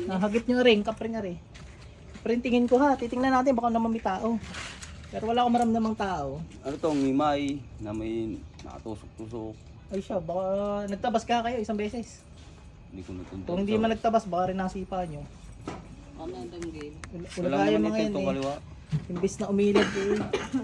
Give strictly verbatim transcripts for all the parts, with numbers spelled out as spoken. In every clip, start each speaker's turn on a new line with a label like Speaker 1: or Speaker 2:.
Speaker 1: Nahagip nyo rin, kapre nga rin. Kapre tingin ko ha, titingnan natin baka naman may tao. Pero wala akong maramdamang tao.
Speaker 2: Ano to, ngimay na may nakatusok-tusok.
Speaker 1: Ay siya, baka nagtabas ka kayo isang beses.
Speaker 2: Hindi ko natuntok.
Speaker 1: Kung hindi man nagtabas, baka rin nasipa nyo.
Speaker 3: Ano ang tanggil?
Speaker 1: Wala,
Speaker 2: Wala
Speaker 1: wala kaya
Speaker 2: naman
Speaker 1: mga
Speaker 2: ito
Speaker 1: yan
Speaker 2: itong
Speaker 1: eh.
Speaker 2: kaliwa.
Speaker 1: Imbis na umilad eh.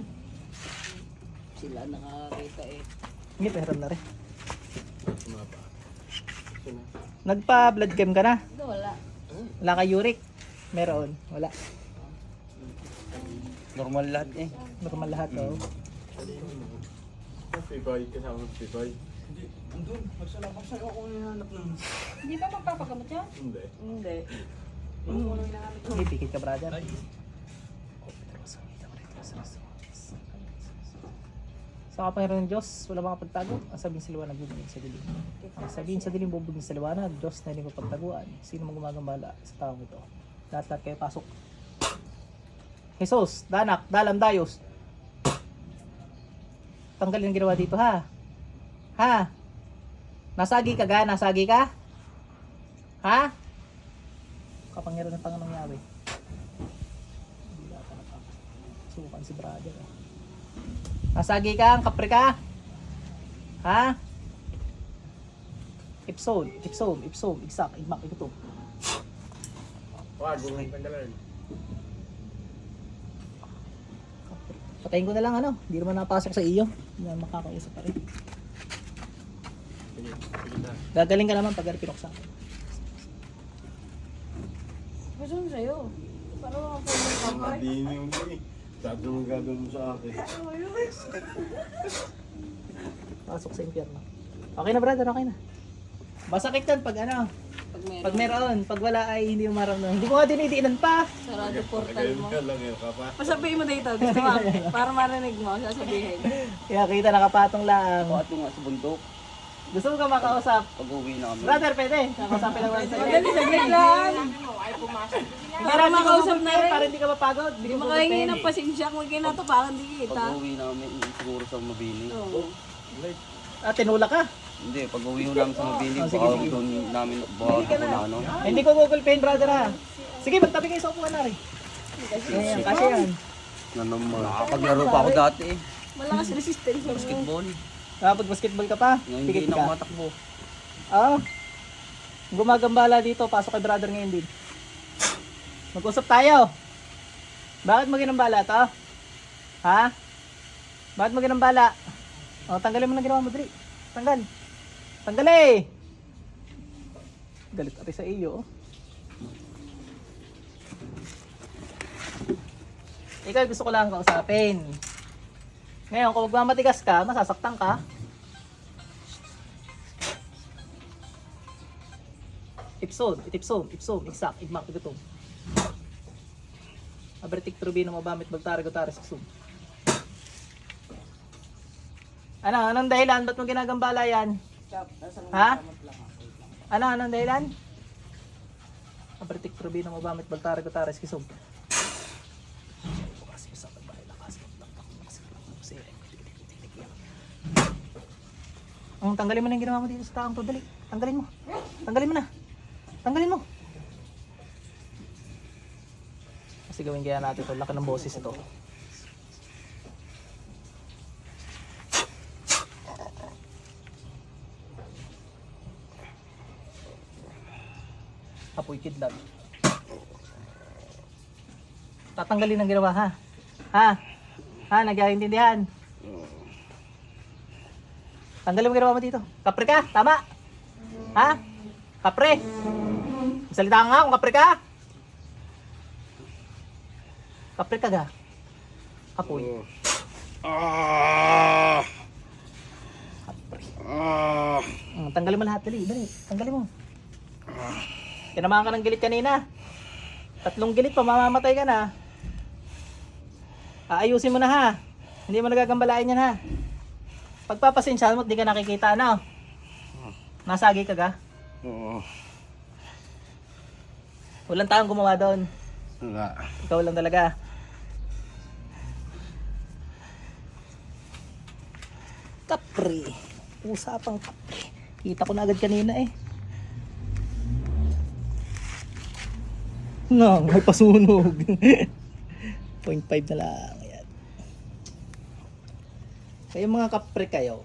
Speaker 3: Sila nakakita eh.
Speaker 1: Hindi, pero na rin. Nagpa-blood chem ka na?
Speaker 3: Ito wala.
Speaker 1: Wala ka uric? Meron? Wala.
Speaker 2: Normal lahat eh.
Speaker 1: Normal lahat oh.
Speaker 4: Pipay, kasama ng pipay.
Speaker 3: Hindi ba magpapagamot yan?
Speaker 4: Hindi.
Speaker 3: Hindi.
Speaker 1: Hindi, pikit ka brother. Sa kapangyarihan ng Diyos, wala mga pagtago. Ang sabihin sa liwanag, bubugin sa dilim. Ang sabihin sa dilim, bubugin sa liwanag. Diyos na hindi ko pagtaguan. Sino mang gumagambala sa taong ito? Lahat-lahat kayo pasok. Jesus, danak, dalam, dayos. Tanggalin ang ginawa dito ha. Ha? Nasagi ka ga? Nasagi ka? Ha? Kapangyarihan ng Panginoong Yahweh. Sukan si brother eh. Nasagi ka? Kapre ka? Ha? Ipson, ipsom, ipsom, igsak, igmak, igutom.
Speaker 4: Wag, huwag mong tanggalan.
Speaker 1: Patayin ko na lang ano, hindi naman napasok sa iyo. Hindi naman makakausap pa rin.
Speaker 4: Sige, sige na.
Speaker 1: Gagaling ka naman pag pinuksan.
Speaker 3: Gusto mo sa'yo. Para mga po ng kampay.
Speaker 4: Madini yung eh. Sabi mo gagawin mo sa akin.
Speaker 1: Pasok sa impyerno. Okay na brother, okay na. Masakit yan pag ano,
Speaker 3: Pag meron.
Speaker 1: pag meron, pag wala ay hindi mo maramdaman. Hindi ko nga dinidiinan pa.
Speaker 3: Sarado portal
Speaker 4: Ganyan
Speaker 3: mo.
Speaker 4: ka lang yun, kapa.
Speaker 3: Pasabihin mo dito. Gusto mo. Para marinig mo. Sasabihin.
Speaker 1: Kaya kita nakapatong lang.
Speaker 2: Pato nga sa bundok.
Speaker 1: Gusto mo ka makausap?
Speaker 2: Pag uwi na kami.
Speaker 1: Brother, pwede. Nakausapin lang natin sa'yo.
Speaker 3: Madali, saglit lang. Para makausap na rin.
Speaker 1: Para hindi ka mapagod.
Speaker 3: Hindi makahingi ng pasensya kung kinatupakan di kita.
Speaker 2: Pag uwi namin, siguro sa Mabini.
Speaker 3: Oo.
Speaker 1: Ah, tinula ka.
Speaker 2: Hindi, pag uwi ko namin sa Mabini,
Speaker 1: Oh, sige,
Speaker 2: baka
Speaker 1: sige.
Speaker 2: doon namin, baka ako na ano.
Speaker 1: Ay, hindi ko gugulpin, brother ha. Sige, magtabi kayo sa upuan na rin. Ayan, kasi yan.
Speaker 4: Na naman.
Speaker 2: Nakapaglaro pa ako dati eh.
Speaker 3: Malakas resistance mo.
Speaker 2: Basketball.
Speaker 1: Kapag basketball ka pa,
Speaker 2: Ngayon hindi
Speaker 1: pikit
Speaker 2: na ako
Speaker 1: ka.
Speaker 2: matakbo.
Speaker 1: Ah, gumagambala dito, pasok kay brother ngayon din. Mag-usap tayo. Bakit mo ginambala to? Ha? Bakit mo ginambala? O, tanggalin mo na ginawa mo, Dri. Tanggal. Tanggal eh! Galit ati sa iyo. Oh. Ikaw gusto ko lang kausapin. Ngayon, kung magmamatigas ka, masasaktan ka. Ipson, itipson, ipsom, iksak, igmak, igutom. Abertik trubino mo bamit bagtari gutari siksum. Ano, anong dahilan? Ba't mo ginagambala yan? Ha? Ano, anong dahilan? Abertik trubino mo bamit bagtari gutari siksum. Ang tanggalin mo na yung ginawa mo dito sa taong to, dali. Tanggalin mo. Tanggalin mo na. Tanggalin mo. Kasi gawin kaya natin ito. Laki ng boses ito. Apoy kidlat. Tatanggalin ang ginawa ha. Ha? Ha? Nagkaintindihan? Tanggalin mo ginawa mo dito. Kapre ka? Tama? Ha? Kapre? Salita ka nga kung kapre ka? Kapre ka ga? Apoy.
Speaker 4: Ah!
Speaker 1: Kapre.
Speaker 4: Ah!
Speaker 1: Hmm, tanggalin mo lahat. Dali, dali. Tanggalin mo. Tinamaan ka ng gilit kanina. Tatlong gilit pa, mamamatay ka na. Aayusin mo na ha. Hindi mo nagagambalain yan ha. Pagpapasensyahan mo at di ka nakikita na. Nasagi ka ga?
Speaker 4: Oo.
Speaker 1: Walang taong gumawa doon.
Speaker 4: Wala.
Speaker 1: Ikaw lang talaga. Kapre. Usapang kapre. Kita ko na agad kanina eh. No, may pasunog. zero point five na lang. Ayan. Kayo mga kapre kayo.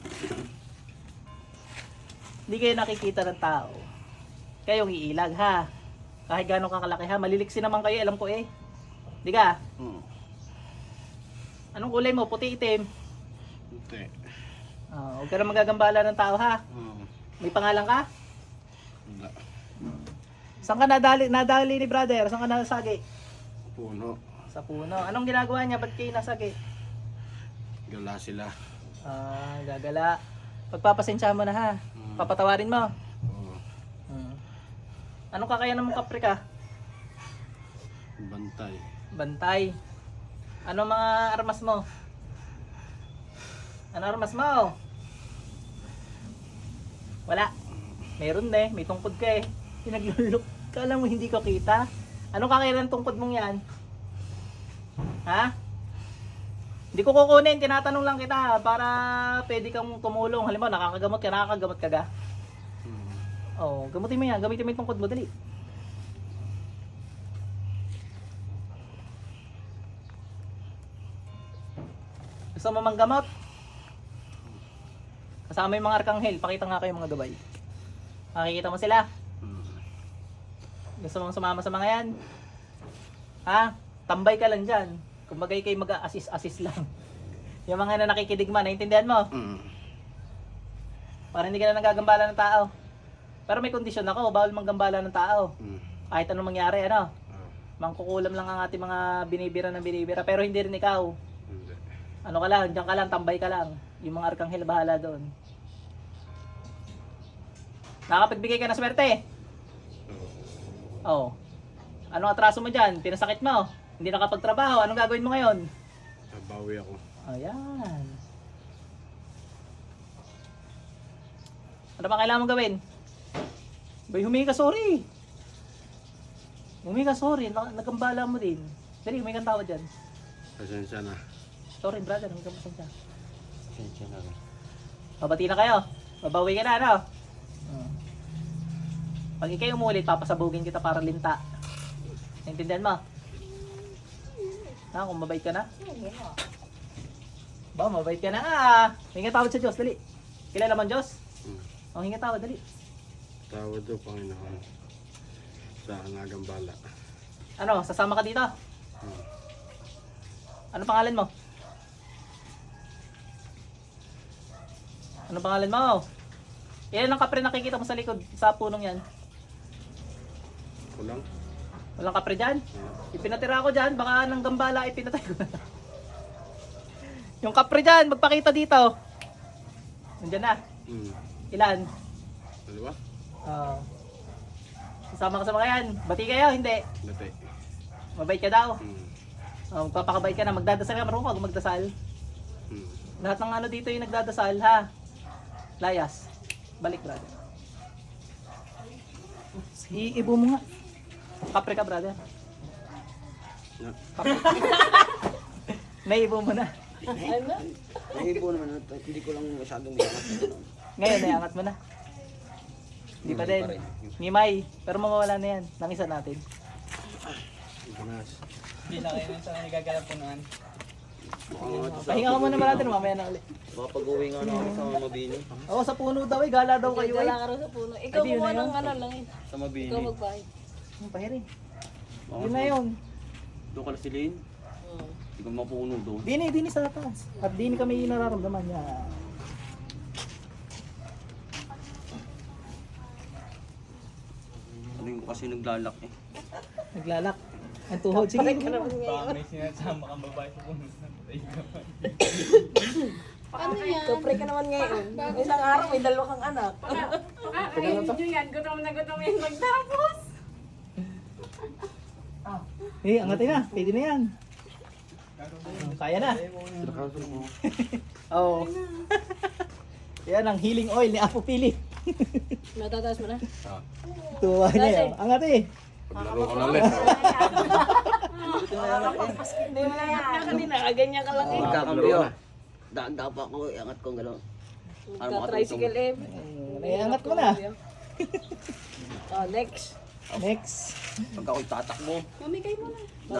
Speaker 1: Hindi kayo nakikita ng tao. Kayong iilag ha. Kahit gano'ng kakalaki ha. Maliliksi naman kayo, alam ko eh. Di ka?
Speaker 2: Hmm.
Speaker 1: Anong kulay mo? Puti, itim?
Speaker 4: Hindi.
Speaker 1: Oh, huwag ka na magagambala ng tao ha.
Speaker 4: Hmm.
Speaker 1: May pangalan ka?
Speaker 4: Wala.
Speaker 1: Saan ka nadali, nadali ni brother? Saan ka nasagi?
Speaker 4: Puno.
Speaker 1: Sa puno. Anong ginagawa niya? Ba't kayo nasagi?
Speaker 4: Gala sila.
Speaker 1: Ah, gagala. Pagpapasensya mo na ha.
Speaker 4: Hmm.
Speaker 1: Papatawarin mo.
Speaker 4: Oo.
Speaker 1: Hmm. Anong kakayanan mong kapre ka?
Speaker 4: Bantay.
Speaker 1: Bantay. Ano mga armas mo? Ano armas mo? Wala. Meron eh. May tungkod ka eh. Pinaglulok. Kala mo hindi ko kita. Anong kakayanan ng tungkod mong yan? Ha? Hindi ko kukunin. Tinatanong lang kita para pwede kang tumulong. Halimbawa, nakakagamot ka. Nakakagamot ka ga?
Speaker 4: Hmm.
Speaker 1: Oo. Gamutin mo yan. Gamitin mo yung tungkod mo. Dali. Gusto mo manggamot? Kasama yung mga arkanghel. Pakita nga kayo mga gabay. Makikita mo sila?
Speaker 4: Hmm.
Speaker 1: Gusto mong sumama sa mga yan? Ha? Tambay ka lang dyan. Kumbagay kayo mag-assist-assist lang. Yung mga na nakikidigma, naintindihan mo?
Speaker 4: Hmm.
Speaker 1: Para hindi ka na nagagambala ng tao. Pero may kondisyon ako, bawal manggambala ng tao.
Speaker 4: Hmm.
Speaker 1: Kahit anong mangyari, ano?
Speaker 4: Ah,
Speaker 1: Mangkukulam lang ang ating mga binibira ng binibira. Pero hindi rin ikaw.
Speaker 4: Hindi.
Speaker 1: Ano ka lang, diyan ka lang, tambay ka lang. Yung mga arkanghel bahala doon. Nakapagbigay ka ng swerte.
Speaker 4: Oo.
Speaker 1: Oh. Anong atraso mo dyan? Pinasakit mo? Hindi nakapagtrabaho? Anong gagawin mo ngayon?
Speaker 4: Nabawi ako.
Speaker 1: Ayan. Ano ba kailangan mong gawin? Bay, humingi ka sorry. Humingi ka sorry. Nag- Nagambala mo din. Dali, humingi kang tawad dyan.
Speaker 4: Pasensya na.
Speaker 1: Sorry brother, humingi kang pasensya.
Speaker 2: Pasensya na rin.
Speaker 1: Mabati na kayo. Mabawi ka na, ano? Hmm. Pag ikay umulit, papasabugin kita para linta. Naintindihan mo? Ha, kung mabait ka na? Ba, mabait ka na ah. Hinga tawad sa Diyos, dali. Kilala mo ang Diyos?
Speaker 4: Hmm.
Speaker 1: O, hinga tawad, dali.
Speaker 4: Tawad do, Panginoon. Sa nagambala.
Speaker 1: Ano, sasama ka dito?
Speaker 4: Hmm.
Speaker 1: Ano pangalan mo? Ano pangalan mo? Ilan ang kapre nakikita mo sa likod sa punong yan?
Speaker 4: Kulang?
Speaker 1: Walang kapre dyan?
Speaker 4: Hmm.
Speaker 1: Ipinatira ko dyan, baka nang gambala ipinatay ko na. Yung kapre dyan, magpakita dito. Nandyan na.
Speaker 4: Hmm.
Speaker 1: Ilan?
Speaker 4: Dalawa?
Speaker 1: Oo. Kasama ka sa mga yan. Bati kayo, hindi.
Speaker 4: Dati.
Speaker 1: Mabait ka daw.
Speaker 4: Hmm.
Speaker 1: Oh, magpapakabait ka na. Magdadasal ka. Marunong ka magdasal.
Speaker 4: Hmm.
Speaker 1: Lahat ng ano dito yung nagdadasal, ha? Layas. Balik, brother. Iibo mo nga. Kapre ka, brother.
Speaker 4: Na.
Speaker 1: Kapre. Naiibo mo na.
Speaker 2: Nahibo naman, hindi ko lang masyadong biyangat.
Speaker 1: Ngayon, naiangat mo na. Hindi pa din. Ngimay. Pero mawawala na yan. Nang isa natin.
Speaker 4: Ganas.
Speaker 3: Hindi na kayo sa nagagalap po noon.
Speaker 1: Pahinga ka muna, brother. Mamaya na ulit.
Speaker 2: Makapag-uwi nga na ako sa Mabini.
Speaker 1: Oo, sa puno daw eh. Gala daw kayo eh.
Speaker 5: Wala ka rin sa puno. Ikaw
Speaker 1: Ay, di, yun
Speaker 5: kumuha
Speaker 1: na
Speaker 5: ng
Speaker 1: yun.
Speaker 5: ano lang yun.
Speaker 2: Sa Mabini.
Speaker 5: Ikaw magbayad.
Speaker 1: Ang pahirin. Yun na yun.
Speaker 2: Doon ka na silin.
Speaker 5: Hmm.
Speaker 2: Hindi ko mapuno doon.
Speaker 1: Dini, dini sa taas. At dini kami nararamdaman niya.
Speaker 2: Ano yung kasi naglalak eh.
Speaker 1: Naglalak. Ang tuhod. Sige.
Speaker 3: Baka may sinasama kang babae sa puno.
Speaker 5: Ano yan? Kapre ka naman ngayon. Isang araw may dalawa kang anak.
Speaker 3: Ay, nyo yan. Gutom na gutom yan magtapos.
Speaker 1: Eh, angatin na. Pwede na yan. Kaya na. Oo. Yan ang healing oil ni Apo Philip.
Speaker 5: Natataas mo na?
Speaker 1: Tuwa niya yun. Angat eh.
Speaker 4: Paglaro ko na ulit.
Speaker 5: Hindi mo na yan. Kanina, ganyan ka lang eh.
Speaker 2: Magkakambiyo. Daan-daan pa ako, iangat ko gano'n.
Speaker 5: Ka-tricycle eh.
Speaker 1: Eh, angat mo na.
Speaker 5: Oh, next.
Speaker 1: Next.
Speaker 2: Pag ako'y tatakbo,
Speaker 5: Mamigay mo na.